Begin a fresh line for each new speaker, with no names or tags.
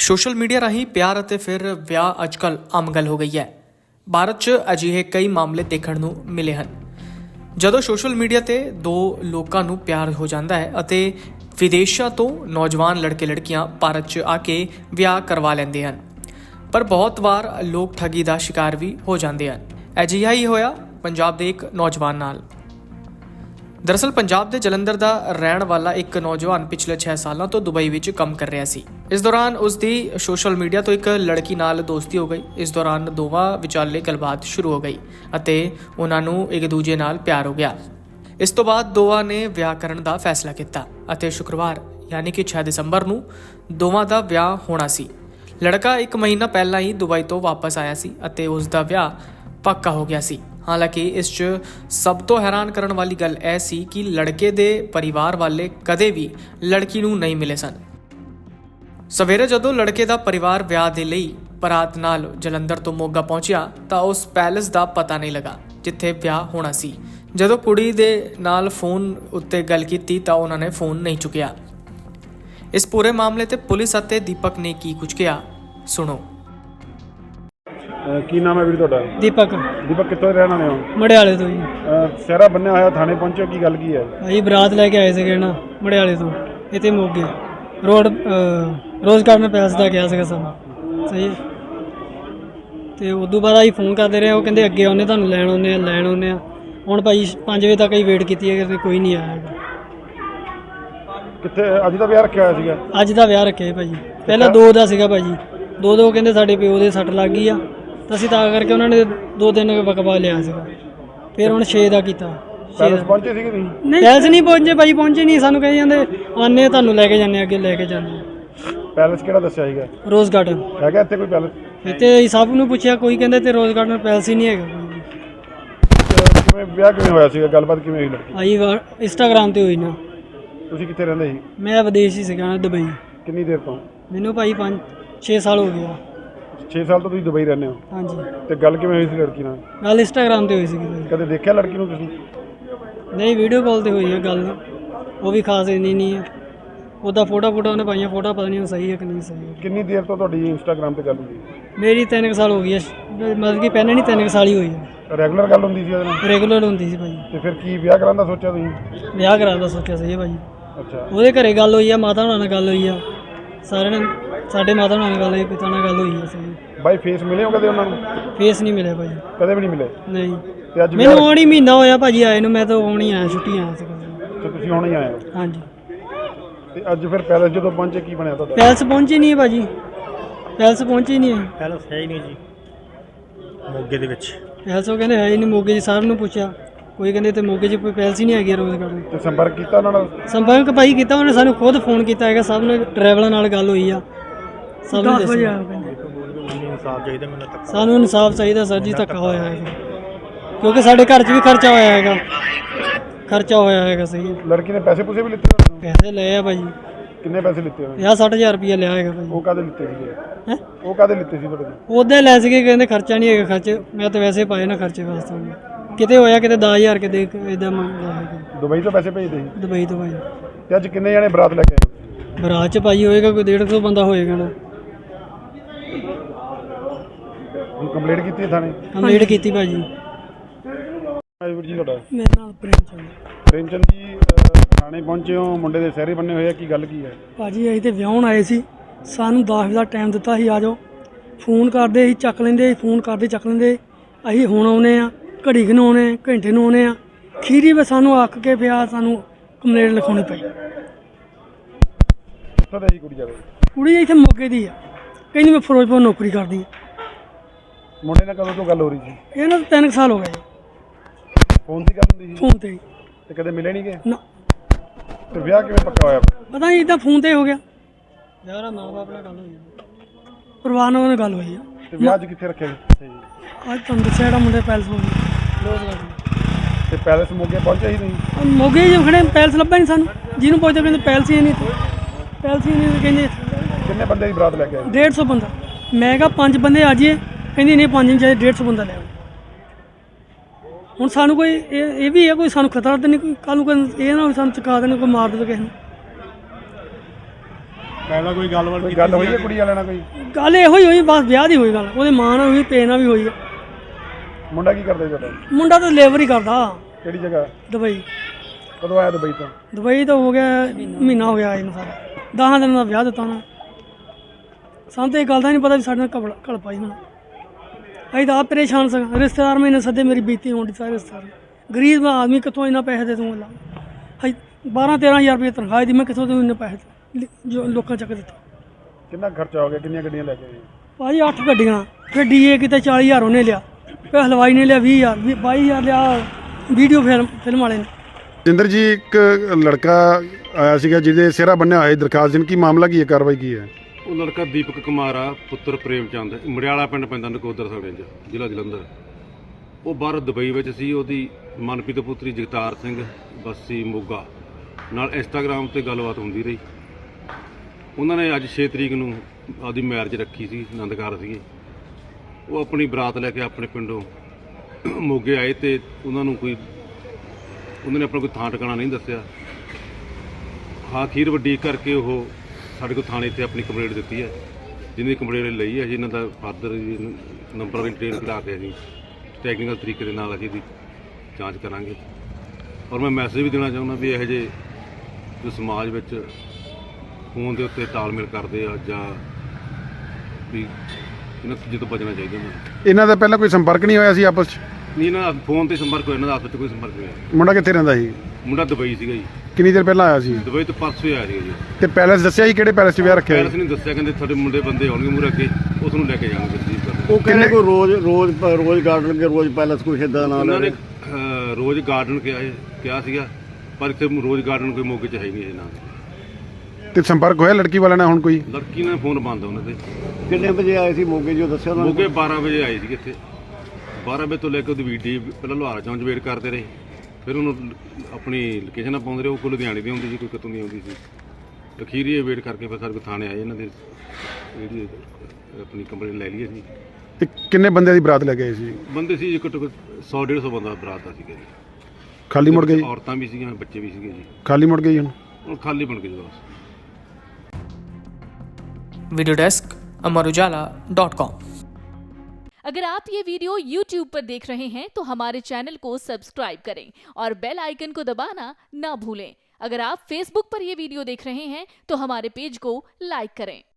Social media ਰਾਹੀਂ ਪਿਆਰ ਅਤੇ ਫਿਰ ਵਿਆਹ ਅੱਜਕੱਲ ਆਮ ਗੱਲ ਹੋ ਗਈ ਹੈ। ਭਾਰਤ 'ਚ ਅਜਿਹੇ ਕਈ ਮਾਮਲੇ ਦੇਖਣ ਨੂੰ ਮਿਲੇ ਹਨ ਜਦੋਂ ਸੋਸ਼ਲ ਮੀਡੀਆ ਤੇ ਦੋ ਲੋਕਾਂ ਨੂੰ ਪਿਆਰ ਹੋ ਜਾਂਦਾ ਹੈ ਅਤੇ ਵਿਦੇਸ਼ਾਂ ਤੋਂ ਨੌਜਵਾਨ ਲੜਕੇ ਲੜਕੀਆਂ ਭਾਰਤ 'ਚ ਆ ਕੇ ਵਿਆਹ ਕਰਵਾ ਲੈਂਦੇ ਹਨ। ਪਰ ਬਹੁਤ ਵਾਰ ਲੋਕ ਠੱਗੀ ਦਾ ਸ਼ਿਕਾਰ ਵੀ ਹੋ ਜਾਂਦੇ ਹਨ। ਅਜਿਹਾ ਹੀ ਹੋਇਆ ਪੰਜਾਬ ਦੇ ਇੱਕ ਨੌਜਵਾਨ ਨਾਲ। ਦਰਅਸਲ ਪੰਜਾਬ ਦੇ ਜਲੰਧਰ ਦਾ ਰਹਿਣ ਵਾਲਾ ਇੱਕ ਨੌਜਵਾਨ ਪਿਛਲੇ 6 ਸਾਲਾਂ ਤੋਂ ਦੁਬਈ ਵਿੱਚ ਕੰਮ ਕਰ ਰਿਹਾ ਸੀ। ਇਸ ਦੌਰਾਨ ਉਸ ਦੀ ਸੋਸ਼ਲ ਮੀਡੀਆ ਤੋਂ ਇੱਕ ਲੜਕੀ ਨਾਲ ਦੋਸਤੀ ਹੋ ਗਈ। ਇਸ ਦੌਰਾਨ ਦੋਵਾਂ ਵਿਚਾਲੇ ਗੱਲਬਾਤ ਸ਼ੁਰੂ ਹੋ ਗਈ ਅਤੇ ਉਹਨਾਂ ਨੂੰ ਇੱਕ ਦੂਜੇ ਨਾਲ ਪਿਆਰ ਹੋ ਗਿਆ। ਇਸ ਤੋਂ ਬਾਅਦ ਦੋਵਾਂ ਨੇ ਵਿਆਹ ਕਰਨ ਦਾ ਫੈਸਲਾ ਕੀਤਾ ਅਤੇ ਸ਼ੁੱਕਰਵਾਰ ਯਾਨੀ ਕਿ 6 ਦਸੰਬਰ ਨੂੰ ਦੋਵਾਂ ਦਾ ਵਿਆਹ ਹੋਣਾ ਸੀ। ਲੜਕਾ 1 ਮਹੀਨਾ ਪਹਿਲਾਂ ਹੀ ਦੁਬਈ ਤੋਂ ਵਾਪਸ ਆਇਆ ਸੀ ਅਤੇ ਉਸ ਦਾ ਵਿਆਹ ਪੱਕਾ ਹੋ ਗਿਆ ਸੀ। ਹਾਲਾਂਕਿ ਇਸ 'ਚ ਸਭ ਤੋਂ ਹੈਰਾਨ ਕਰਨ ਵਾਲੀ ਗੱਲ ਇਹ ਸੀ ਕਿ ਲੜਕੇ ਦੇ ਪਰਿਵਾਰ ਵਾਲੇ ਕਦੇ ਵੀ ਲੜਕੀ ਨੂੰ ਨਹੀਂ ਮਿਲੇ ਸਨ। ਸਵੇਰੇ ਜਦੋਂ ਲੜਕੇ ਦਾ ਪਰਿਵਾਰ ਵਿਆਹ ਦੇ ਲਈ ਬਰਾਤ ਨਾਲ ਜਲੰਧਰ ਤੋਂ ਮੋਗਾ ਪਹੁੰਚਿਆ ਤਾਂ ਉਸ ਪੈਲੇਸ ਦਾ ਪਤਾ ਨਹੀਂ ਲੱਗਾ ਜਿੱਥੇ ਵਿਆਹ ਹੋਣਾ ਸੀ। ਜਦੋਂ ਕੁੜੀ ਦੇ ਨਾਲ ਫੋਨ ਉੱਤੇ ਗੱਲ ਕੀਤੀ ਤਾਂ ਉਹਨਾਂ ਨੇ ਫੋਨ ਨਹੀਂ ਚੁੱਕਿਆ। ਇਸ ਪੂਰੇ ਮਾਮਲੇ ਤੇ ਪੁਲਿਸ ਅਤੇ ਦੀਪਕ ਨੇ ਕੀ ਕੁਝ ਕਿਹਾ, ਸੁਣੋ।
ਕੀ ਨਾਮ ਹੈ ਵੀਰ ਤੁਹਾਡਾ?
ਦੀਪਕ
ਕਿੱਥੋਂ ਦੇ ਰਹਿਣ ਵਾਲੇ ਹੋ?
ਮੜਿਆਲੇ ਤੋਂ ਜੀ।
ਸਿਹਰਾ ਬੰਨਿਆ ਹੋਇਆ ਥਾਣੇ ਪਹੁੰਚੋ, ਕੀ ਗੱਲ ਕੀ ਹੈ?
ਭਾਈ ਬਰਾਤ ਲੈ ਕੇ ਆਏ ਸੀਗੇ ਨਾ ਮੜਿਆਲੇ ਤੋਂ ਇੱਥੇ ਮੋਗੇ ਰੋਡ ਰੋਜ਼ ਗਾਰਡਨ ਪੈਲਸ ਦਾ ਗਿਆ ਸੀਗਾ ਸਾਨੂੰ। ਸਹੀ ਹੈ। ਤੇ ਉਦੋਂ ਬਾਅਦ ਅਸੀਂ ਫੋਨ ਕਰਦੇ ਰਹੇ, ਉਹ ਕਹਿੰਦੇ ਅੱਗੇ ਆਉਂਦੇ ਤੁਹਾਨੂੰ ਲੈਣ ਆਉਂਦੇ ਆ। ਹੁਣ ਭਾਈ 5 ਵਜੇ ਤੱਕ ਹੀ ਵੇਟ ਕੀਤੀ ਹੈ ਕਿ ਕੋਈ ਨਹੀਂ ਆਇਆ ਹੈਗਾ।
ਕਿੱਥੇ ਅੱਜ ਦਾ ਵਿਆਹ ਰੱਖਿਆ ਹੋਇਆ ਸੀਗਾ?
ਅੱਜ ਦਾ ਵਿਆਹ ਰੱਖਿਆ ਭਾਜੀ। ਪਹਿਲਾਂ 2 ਦਾ ਸੀਗਾ ਭਾਜੀ। 2 ਕਹਿੰਦੇ ਸਾਡੇ ਪਿਓ ਦੇ ਸੱਟ ਲੱਗ ਗਈ ਆ ਤਾਂ ਅਸੀਂ ਤਾਂ ਕਰਕੇ ਉਹਨਾਂ ਨੇ 2 ਦਿਨ ਵਕਵਾ ਲਿਆ ਸੀਗਾ। ਫਿਰ ਹੁਣ 6 ਦਾ ਕੀਤਾ।
ਪੈਲਸ ਪਹੁੰਚੇ ਸੀਗੇ ਤੁਸੀਂ?
ਨਹੀਂ ਪੈਲਸ ਨਹੀਂ ਪਹੁੰਚੇ ਭਾਈ, ਪਹੁੰਚੇ ਨਹੀਂ। ਸਾਨੂੰ ਕਹੀ ਜਾਂਦੇ ਆਨੇ ਤੁਹਾਨੂੰ ਲੈ ਕੇ ਜਾਂਦੇ, ਅੱਗੇ ਲੈ ਕੇ ਜਾਂਦੇ।
ਪੈਲਸ ਕਿਹੜਾ ਦੱਸਿਆ ਸੀਗਾ?
ਰੋਜ਼ ਗਾਰਡਨ
ਹੈਗਾ ਇੱਥੇ ਕੋਈ ਪੈਲਸ?
ਇੱਥੇ ਸਭ ਨੂੰ ਪੁੱਛਿਆ, ਕੋਈ ਕਹਿੰਦੇ ਤੇ ਰੋਜ਼ ਗਾਰਡਨ ਪੈਲਸ ਹੀ ਨਹੀਂ ਹੈਗਾ।
ਕਿਵੇਂ ਵਿਆਹ ਕਿਵੇਂ ਹੋਇਆ ਸੀਗਾ? ਗੱਲਬਾਤ ਕਿਵੇਂ ਹੋਈ ਲੜਕੀ?
ਆਈ ਇੰਸਟਾਗ੍ਰਾਮ ਤੇ ਹੋਈ ਨਾ।
ਤੁਸੀਂ ਕਿੱਥੇ ਰਹਿੰਦੇ ਸੀ?
ਮੈਂ ਵਿਦੇਸ਼ ਹੀ ਸੀਗਾ ਨਾ, ਦੁਬਈ।
ਕਿੰਨੀ ਦੇਰ ਤੋਂ?
ਮੈਨੂੰ ਭਾਈ 5-6 ਸਾਲ ਹੋ ਗਿਆ।
6 ਸਾਲ ਤੋਂ ਤੁਸੀਂ ਦੁਬਈ ਰਹਿੰਦੇ ਹੋ?
ਹਾਂਜੀ।
ਤੇ ਗੱਲ ਕਿਵੇਂ ਹੋਈ ਸੀ ਲੜਕੀ ਨਾਲ?
ਗੱਲ ਇੰਸਟਾਗ੍ਰਾਮ ਤੇ ਹੋਈ ਸੀਗੀ ਭਾਈ।
ਕਦੇ ਦੇਖਿਆ ਲੜਕੀ ਨੂੰ ਤੁਸੀਂ?
ਨਹੀਂ, ਵੀਡੀਓ ਕਾਲ ਤੇ ਹੋਈ ਹੈ ਗੱਲ। ਉਹ ਵੀ ਖਾਸ ਇੰਨੀ ਨਹੀਂ ਹੈ। ਉਹਦਾ ਫੋਟੋ ਉਹਨੇ ਪਾਈਆਂ। ਫੋਟੋ ਪਤਾ ਨਹੀਂ ਸਹੀ ਹੈ ਕਿ ਨਹੀਂ ਸਹੀ ਹੈ।
ਕਿੰਨੀ ਦੇਰ ਤੋਂ ਤੁਹਾਡੀ ਇੰਸਟਾਗ੍ਰਾਮ ਤੇ ਗੱਲ ਹੁੰਦੀ?
ਮੇਰੀ 3 ਸਾਲ ਹੋ ਗਈ ਹੈ। ਮਤਲਬ ਕਿ ਪਹਿਲਾਂ ਨਹੀਂ 3 ਸਾਲ ਹੀ ਹੋਈ ਹੈ।
ਰੈਗੂਲਰ ਗੱਲ ਹੁੰਦੀ ਸੀ ਉਹਦੇ ਨਾਲ?
ਰੈਗੂਲਰ ਹੁੰਦੀ ਸੀ ਭਾਈ।
ਤੇ ਫਿਰ ਕੀ ਵਿਆਹ ਕਰਾਉਣ ਦਾ ਸੋਚਿਆ ਤੁਸੀਂ?
ਵਿਆਹ ਕਰਾਉਣ ਦਾ ਸੋਚਿਆ ਸੀ ਭਾਈ।
ਅੱਛਾ।
ਉਹਦੇ ਘਰੇ ਗੱਲ ਹੋਈ ਆ, ਮਾਤਾ ਹੋਣਾ ਨਾਲ ਗੱਲ ਹੋਈ ਆ, ਸਾਰਿਆਂ ਨੇ ਸਾਡੇ ਮਾਤਾ ਹੋਣਾ ਨਾਲ ਗੱਲ ਹੋਈ, ਪਿਤਾ ਨਾਲ ਗੱਲ ਹੋਈ ਆ। ਸਹੀ
ਬਾਈ ਫੇਸ ਮਿਲੇ ਹੋ ਕਦੇ ਉਹਨਾਂ ਨੂੰ?
ਫੇਸ ਨਹੀਂ ਮਿਲਿਆ ਭਾਈ।
ਕਦੇ ਵੀ ਨਹੀਂ ਮਿਲੇ?
ਨਹੀਂ।
ਤੇ ਅੱਜ
ਮੈਨੂੰ ਆਉਣ ਹੀ ਮਹੀਨਾ ਹੋਇਆ ਭਾਜੀ ਆਏ ਨੂੰ। ਮੈਂ ਤਾਂ ਆਉਣ ਹੀ ਆਇਆ, ਛੁੱਟੀ ਆਇਆ ਸੀ।
ਤੇ ਤੁਸੀਂ ਹੁਣ ਹੀ ਆਏ ਹੋ?
ਹਾਂਜੀ।
ਤੇ ਅੱਜ ਫਿਰ ਪੈਲਸ ਜਦੋਂ ਪਹੁੰਚੇ ਕੀ ਬਣਿਆ ਤੁਹਾਡਾ?
ਪੈਲਸ ਪਹੁੰਚੀ ਨਹੀਂ ਹੈ ਭਾਜੀ। ਪੈਲਸ ਪਹੁੰਚੀ ਨਹੀਂ ਹੈ।
ਪੈਲਸ ਹੈ ਹੀ ਨਹੀਂ ਜੀ ਮੋਗੇ ਦੇ ਵਿੱਚ।
ਪੈਲਸ ਉਹ ਕਹਿੰਦੇ ਹੈ ਹੀ ਨਹੀਂ ਮੋਗੇ 'ਚ। ਸਾਰਿਆਂ ਨੂੰ ਪੁੱਛਿਆ, ਕੋਈ ਕਹਿੰਦੇ ਤੇ ਮੋਗੇ 'ਚ ਕੋਈ ਪੈਲਸ ਹੀ ਨਹੀਂ ਹੈਗੀ ਰੋਜ਼ ਗਾਰਡਨ।
ਤੇ ਸੰਪਰਕ ਕੀਤਾ ਉਹਨਾਂ ਨਾਲ?
ਸੰਪਰਕ ਭਾਈ ਕੀਤਾ, ਉਹਨੇ ਸਾਨੂੰ ਖੁਦ ਫੋਨ ਕੀਤਾ ਹੈਗਾ। ਸਭ ਨੇ ਡਰਾਈਵਰਾਂ ਨਾਲ ਗੱਲ ਹੋਈ ਆ। ਸਭ ਨੂੰ ਦੱਸਿਆ।
ਇਨਸਾਫ ਚਾਹੀਦਾ ਮੈਨੂੰ ਤੱਕ।
ਸਾਨੂੰ ਇਨਸਾਫ ਚਾਹੀਦਾ ਸਰ ਜੀ। ਧੱਕਾ ਹੋਇਆ ਹੈਗਾ ਕਿਉਂਕਿ ਸਾਡੇ ਘਰ 'ਚ ਵੀ ਖਰਚਾ ਹੋਇਆ ਹੈਗਾ। ਸਹੀ ਹੈ।
ਲੜਕੀ ਨੇ ਪੈਸੇ ਪੂਸੇ ਵੀ ਲਿੱਤੇ ਤੁਹਾਨੂੰ?
ਪੈਸੇ ਲਏ ਆ ਭਾਜੀ।
ਕਿੰਨੇ ਪੈਸੇ ਲਿੱਤੇ ਹੋਏ?
50-60 ਰੁਪਇਆ ਲਿਆ ਹੈਗਾ ਭਾਜੀ।
ਉਹ ਕਾਹਦੇ ਲਿੱਤੇ ਸੀਗੇ?
ਹੈਂ?
ਉਹ ਕਾਹਦੇ ਲਿੱਤੇ ਸੀ ਤੁਹਾਡੇ?
ਉਹਦੇ ਲੈ ਸੀਗੇ, ਕਹਿੰਦੇ ਖਰਚਾ ਨਹੀਂ ਹੈਗਾ। ਖਰਚੇ ਮੈਂ ਤਾਂ ਵੈਸੇ ਪਾਏ ਨਾ ਖਰਚੇ ਵਾਸਤੇ। ਕਿਤੇ ਹੋਇਆ ਕਿਤੇ 10,000 ਕਿਤੇ ਇਦਾਂ ਮੰਗਦਾ ਹੈਗਾ।
ਦੁਬਈ ਤੋਂ ਪੈਸੇ ਭੇਜਦੇ ਸੀ?
ਦੁਬਈ ਤੋਂ ਭਾਈ।
ਤੇ ਅੱਜ ਕਿੰਨੇ ਜਣੇ ਬਰਾਤ ਲੈ ਕੇ ਆਏ?
ਬਰਾਤ 'ਚ ਭਾਈ ਹੋਏਗਾ ਕੋਈ 150 ਬੰਦਾ ਹੋਏਗਾ ਨਾ।
ਹੁਣ ਕੰਪਲੀਟ ਕੀਤੀ ਹੈ ਥਾਣੇ?
ਕੰਪਲੀਟ ਕੀਤੀ ਭਾਜੀ।
ਵੀਰ ਜੀ ਤੁਹਾਡਾ?
ਮੇਰਾ ਨਾਮ
ਪ੍ਰੇਮ ਚੰਦ ਜੀ। ਥਾਣੇ ਪਹੁੰਚੇ ਹੋ, ਮੁੰਡੇ ਦੇ ਸਿਹਰੇ ਬੰਨੇ ਹੋਏ ਆ, ਕੀ ਗੱਲ ਕੀ ਹੈ?
ਭਾਜੀ ਅਸੀਂ ਤੇ ਵਿਆਹੁਣ ਆਏ ਸੀ। ਸਾਨੂੰ 10 ਵਜੇ ਦਾ ਟਾਈਮ ਦਿੱਤਾ ਸੀ, ਆ ਜਾਓ। ਫੋਨ ਕਰਦੇ ਸੀ, ਚੱਕ ਲੈਂਦੇ। ਫੋਨ ਕਰਦੇ ਚੱਕ ਲੈਂਦੇ। ਅਸੀਂ ਹੁਣ ਆਉਨੇ ਆ, ਘੜੀ ਕੁ ਨੂੰ ਆਉਨੇ, ਘੰਟੇ ਨੂੰ ਆਉਨੇ ਆ। ਖੀਰੀ ਵਿੱਚ ਸਾਨੂੰ ਅੱਕ ਕੇ ਪਿਆ, ਸਾਨੂੰ ਕੰਪਲੇਂਟ ਲਿਖਾਉਣੀ ਪਈ।
ਕਿੱਥੋਂ ਦਾ ਸੀ ਕੁੜੀ ਜਾਵੇ?
ਕੁੜੀ ਇੱਥੇ ਮੋਗੇ ਦੀ ਆ, ਕਹਿੰਦੀ ਮੈਂ ਫਿਰੋਜ਼ਪੁਰ ਨੌਕਰੀ ਕਰਦੀ ਹਾਂ।
ਮੁੰਡੇ ਨਾਲ ਕਦੋਂ ਤੋਂ ਗੱਲ ਹੋ ਰਹੀ ਸੀ?
ਇਹਨਾਂ ਨੂੰ 3 ਸਾਲ ਹੋ ਗਏ
ਫੋਨ ਦੀ ਗੱਲ ਹੁੰਦੀ ਸੀ?
ਫੋਨ ਤੇ ਹੀ।
ਤੇ ਕਦੇ ਮਿਲੇ ਨਹੀਂ ਗਏ?
ਨਾ
ਤੇ ਵਿਆਹ ਕਿਵੇਂ ਪੱਕਾ ਹੋਇਆ?
ਪਤਾ ਨਹੀਂ, ਇੱਦਾਂ ਫੋਨ ਤੇ ਹੋ ਗਿਆ।
ਯਾਰ ਮਾਂ ਬਾਪ ਨਾਲ ਗੱਲ ਹੋਈ।
ਪਰਿਵਾਰ ਨਾਲ ਗੱਲ ਹੋਈ ਆ।
ਤੇ ਵਿਆਹ 'ਚ ਕਿੱਥੇ ਰੱਖਿਆ ਸੀ?
ਅੱਜ ਤੁਹਾਨੂੰ ਦੱਸਿਆ ਜਿਹੜਾ ਮੁੰਡੇ ਪੈਲਸ ਹੋ ਗਏ।
ਤੇ ਪੈਲਸ ਮੋਗੇ ਪਹੁੰਚੇ ਸੀ ਤੁਸੀਂ?
ਮੋਗੇ ਜੋ ਖੜੇ ਪੈਲਸ ਲੱਭਾ ਨਹੀਂ ਸਾਨੂੰ। ਜਿਹਨੂੰ ਪੁੱਛਦੇ ਕਹਿੰਦੇ ਪੈਲਸ ਹੀ ਨਹੀਂ। ਪੈਲਸ ਹੀ ਨਹੀਂ ਕਹਿੰਦੇ।
ਕਿੰਨੇ ਬੰਦੇ ਦੀ ਬਰਾਤ ਲੈ ਕੇ ਆਏ?
150 ਬੰਦਾ। ਮੈਂ ਕਿਹਾ 5 ਬੰਦੇ ਆ ਜਾਈਏ, ਕਹਿੰਦੀ ਨਹੀਂ 5 ਨਹੀਂ ਚਾਹੀਦੇ, 150 ਬੰਦਾ ਲੈ ਆਓ। ਹੁਣ ਸਾਨੂੰ ਕੋਈ ਇਹ ਵੀ ਹੈ, ਕੋਈ ਸਾਨੂੰ ਖਤਰਾ ਤਾਂ ਨਹੀਂ ਕੋਈ ਕੱਲ੍ਹ ਨੂੰ ਕੋਈ ਇਹ ਨਾ ਹੋਵੇ ਸਾਨੂੰ ਚੁਕਾ ਦੇਣ, ਕੋਈ ਮਾਰ ਦੇਵੇ ਕਿਸੇ ਨੂੰ।
ਪਹਿਲਾਂ ਕੋਈ ਗੱਲਬਾਤ
ਕੋਈ ਗੱਲ ਹੋਈ ਹੈ ਕੁੜੀ ਵਾਲਿਆਂ ਨਾਲ ਕੋਈ?
ਗੱਲ ਇਹੋ ਹੀ ਹੋਈ, ਬਸ ਵਿਆਹ ਦੀ ਹੋਈ ਗੱਲ, ਉਹਦੇ ਮਾਂ ਨਾਲ ਹੋਈ, ਪੇ ਨਾਲ ਵੀ ਹੋਈ ਆ।
ਮੁੰਡਾ ਕੀ ਕਰਦਾ ਜੀ ਤੁਹਾਡਾ?
ਮੁੰਡਾ ਤਾਂ ਲੇਬਰ ਹੀ ਕਰਦਾ,
ਕਿਹੜੀ ਜਗ੍ਹਾ?
ਦੁਬਈ।
ਕਦੋਂ ਆਇਆ ਦੁਬਈ ਤੋਂ?
ਦੁਬਈ ਤਾਂ ਹੋ ਗਿਆ ਮਹੀਨਾ ਹੋ ਗਿਆ ਇਹਨੂੰ ਸਾਰਾ, 10 ਦਿਨ ਦਾ ਵਿਆਹ ਦਿੱਤਾ ਉਹਨਾਂ ਸਾਨੂੰ ਤਾਂ ਇਹ ਗੱਲ ਦਾ ਨਹੀਂ ਪਤਾ ਵੀ ਸਾਡੇ ਨਾਲ ਘਲ ਪਾਈ ਹੁਣ। ਅਸੀਂ ਤਾਂ ਆਪ ਪਰੇਸ਼ਾਨ ਸਾਂ, ਰਿਸ਼ਤੇਦਾਰ ਮੈਨੂੰ ਸੱਦੇ, ਮੇਰੀ ਬੀਤੀ ਹੋਣ ਦੀ, ਸਾਰੇ ਰਿਸ਼ਤੇਦਾਰ। ਗਰੀਬ ਆਦਮੀ ਕਿੱਥੋਂ ਇੰਨਾ ਪੈਸੇ ਦੇ ਦੂੰਗਾ? 12-13 ਹਜ਼ਾਰ ਰੁਪਏ ਤਨਖਾਹ ਦੀ, ਮੈਂ ਕਿੱਥੋਂ ਦੇ ਇੰਨੇ ਪੈਸੇ ਜੋ ਲੋਕਾਂ ਚੱਕ ਦਿੱਤਾ।
ਕਿੰਨਾ ਖਰਚਾ ਹੋ ਗਿਆ? ਕਿੰਨੀਆਂ ਗੱਡੀਆਂ ਲੈ ਕੇ ਆਏ?
ਭਾਜੀ 8 ਗੱਡੀਆਂ, ਫਿਰ ਡੀਏ ਕਿਤੇ 40,000 ਉਹਨੇ ਲਿਆ, ਫਿਰ ਹਲਵਾਈ ਨੇ ਲਿਆ 20,000, 22,000 ਲਿਆ ਵੀਡੀਓ ਫਿਲਮ ਵਾਲੇ ਨੇ।
ਜਿੰਦਰ ਜੀ, ਇੱਕ ਲੜਕਾ ਆਇਆ ਸੀਗਾ ਜਿਹਦੇ ਸਿਹਰਾ ਬੰਨਿਆ ਹੋਇਆ ਦਰਖਾਸਤ ਦੇਣ, ਕੀ ਮਾਮਲਾ ਕੀ ਹੈ, ਕਾਰਵਾਈ ਕੀ ਹੈ?
ਉਹ ਲੜਕਾ ਦੀਪਕ ਕੁਮਾਰ ਆ, ਪੁੱਤਰ ਪ੍ਰੇਮ ਚੰਦ, ਮੜਿਆਲਾ ਪਿੰਡ ਪੈਂਦਾ, ਨਕੋਦਰ ਸਾਡੇ 'ਚ, ਜ਼ਿਲ੍ਹਾ ਜਲੰਧਰ। ਉਹ ਬਾਹਰ ਦੁਬਈ ਵਿੱਚ ਸੀ। ਉਹਦੀ ਮਨਪ੍ਰੀਤ ਪੁੱਤਰੀ ਜਗਤਾਰ ਸਿੰਘ ਬੱਸੀ ਮੋਗਾ ਨਾਲ ਇੰਸਟਾਗ੍ਰਾਮ ਤੇ ਗੱਲਬਾਤ ਹੁੰਦੀ ਰਹੀ। ਉਹਨਾਂ ਨੇ ਅੱਜ 6 ਤਰੀਕ ਨੂੰ ਆਪਦੀ ਮੈਰਿਜ ਰੱਖੀ ਸੀ, ਆਨੰਦਕਾਰ ਸੀਗੇ। ਉਹ ਆਪਣੀ ਬਰਾਤ ਲੈ ਕੇ ਆਪਣੇ ਪਿੰਡੋਂ ਮੋਗੇ ਆਏ ਤੇ ਉਹਨਾਂ ਨੇ ਆਪਣਾ ਕੋਈ ਥਾਂ ਟਿਕਾਣਾ ਨਹੀਂ ਦੱਸਿਆ। ਅਖੀਰ ਵੱਡੀ ਕਰਕੇ ਉਹ ਸਾਡੇ ਕੋਲ ਥਾਣੇ ਤੇ ਆਪਣੀ ਕੰਪਲੇਂਟ ਦਿੱਤੀ ਹੈ, ਜਿਹਦੀ ਕੰਪਲੇਂਟ ਲਈ ਹੈ। ਇਹਨਾਂ ਦਾ ਫਾਦਰ ਨੰਬਰ ਡਿਟੇਲ ਕਢਾ ਕੇ ਅਸੀਂ ਟੈਕਨੀਕਲ ਤਰੀਕੇ ਦੇ ਨਾਲ ਅਸੀਂ ਇਹਦੀ ਜਾਂਚ ਕਰਾਂਗੇ। ਔਰ ਮੈਂ ਮੈਸੇਜ ਵੀ ਦੇਣਾ ਚਾਹੁੰਦਾ ਵੀ ਇਹੋ ਜਿਹੇ ਜੋ ਸਮਾਜ ਵਿੱਚ ਫੋਨ ਦੇ ਉੱਤੇ ਤਾਲਮੇਲ ਕਰਦੇ ਆ ਜਾਂ ਵੀ ਇਹਨਾਂ ਚੀਜ਼ਾਂ ਤੋਂ ਬਚਣਾ ਚਾਹੀਦਾ।
ਇਹਨਾਂ ਦਾ ਪਹਿਲਾਂ ਕੋਈ ਸੰਪਰਕ ਨਹੀਂ ਹੋਇਆ ਸੀ ਆਪਸ 'ਚ?
ਨਹੀਂ, ਇਹਨਾਂ ਦਾ ਫੋਨ ਤੇ ਸੰਪਰਕ ਹੋਇਆ, ਇਹਨਾਂ ਦਾ ਆਪਸ ਵਿੱਚ ਕੋਈ ਸੰਪਰਕ ਨਹੀਂ ਹੋਇਆ।
ਮੁੰਡਾ ਕਿੱਥੇ ਰਹਿੰਦਾ ਸੀ?
ਮੁੰਡਾ ਦੁਬਈ ਸੀਗਾ ਜੀ।
ਕਿੰਨੀ ਦੇਰ ਪਹਿਲਾਂ ਆਇਆ ਸੀ?
ਦੁਬਈ ਤੋਂ ਪਰਸੋਂ ਹੀ ਆਇਆ ਸੀਗਾ ਜੀ।
ਤੇ ਪੈਲਸ ਦੱਸਿਆ ਸੀ ਕਿਹੜੇ ਪੈਲਸ 'ਚ ਵਿਆਹ ਰੱਖਿਆ?
ਪੈਲਸ ਨਹੀਂ ਦੱਸਿਆ, ਕਹਿੰਦੇ ਤੁਹਾਡੇ ਮੁੰਡੇ ਬੰਦੇ ਆਉਣਗੇ ਮੂਹਰੇ ਅੱਗੇ, ਉਸ ਨੂੰ ਲੈ ਕੇ ਜਾਣਗੇ ਤਸਦੀਕ ਕਰਨ।
ਉਹ ਕਹਿੰਦੇ ਕੋਈ ਰੋਜ਼ ਗਾਰਡਨ ਕੇ ਰੋਜ਼ ਪੈਲਸ ਕੋਈ ਏਦਾਂ ਨਾਲ
ਉਹਨਾਂ ਨੇ ਰੋਜ਼ ਗਾਰਡਨ ਕਿਹਾ ਸੀਗਾ, ਪਰ ਇੱਥੇ ਰੋਜ਼ ਗਾਰਡਨ ਕੋਈ ਮੋਗੇ 'ਚ ਹੈ ਹੀ ਨਹੀਂ ਇਹ ਨਾਲ।
ਤੇ ਸੰਪਰਕ ਹੋਇਆ ਲੜਕੀ ਵਾਲਿਆਂ ਨਾਲ ਹੁਣ ਕੋਈ?
ਲੜਕੀ ਨੇ ਫੋਨ ਬੰਦ ਉਹਨਾਂ ਦੇ।
ਕਿੰਨੇ ਵਜੇ ਆਏ ਸੀ ਮੋਗੇ, ਜੋ ਦੱਸਿਆ ਉਹਨਾਂ
ਮੋਗੇ 12 ਵਜੇ ਆਏ ਸੀਗੇ ਇੱਥੇ। 12 ਵਜੇ ਤੋਂ ਲੈ ਕੇ ਉਹਦੀ ਵੀਡੀਓ ਪਹਿਲਾਂ ਲੁਹਾਰਾ ਚੌਂਚ ਵੇਟ ਕਰਦੇ ਰਹੇ, ਫਿਰ ਉਹਨੂੰ ਆਪਣੀ ਲੋਕੇਸ਼ਨਾਂ ਪਾਉਂਦੇ ਰਹੇ। ਉਹ ਕੋਈ ਲੁਧਿਆਣੇ ਦੀ ਆਉਂਦੀ ਸੀ, ਕੋਈ ਕਿਤੋਂ ਦੀ ਆਉਂਦੀ ਸੀ। ਅਖੀਰੀ ਇਹ ਵੇਟ ਕਰਕੇ ਫਿਰ ਸਾਡੇ ਕੋਲ ਥਾਣੇ ਆਏ, ਇਹਨਾਂ ਦੇ ਜਿਹੜੀ ਆਪਣੀ ਕੰਪਲੇਂਟ ਲੈ ਲਈ ਅਸੀਂ।
ਤੇ ਕਿੰਨੇ ਬੰਦਿਆਂ ਦੀ ਬਰਾਤ ਲੈ ਕੇ ਆਏ ਸੀ?
ਬੰਦੇ ਸੀ ਘੱਟੋ ਘੱਟ 100-150 ਬੰਦਾ ਬਰਾਤ ਦਾ ਸੀਗਾ ਜੀ।
ਖਾਲੀ ਮੁੜ ਗਈ?
ਔਰਤਾਂ ਵੀ ਸੀਗੀਆਂ, ਬੱਚੇ ਵੀ ਸੀਗੇ ਜੀ।
ਖਾਲੀ ਮੁੜ ਗਈ
ਹੁਣ ਖਾਲੀ ਬਣ ਗਏ ਬਸ।
Video desk amarujala.com।
अगर आप ये वीडियो YouTube पर देख रहे हैं तो हमारे चैनल को सब्सक्राइब करें और बेल आइकन को दबाना ना भूलें। अगर आप Facebook पर ये वीडियो देख रहे हैं तो हमारे पेज को लाइक करें।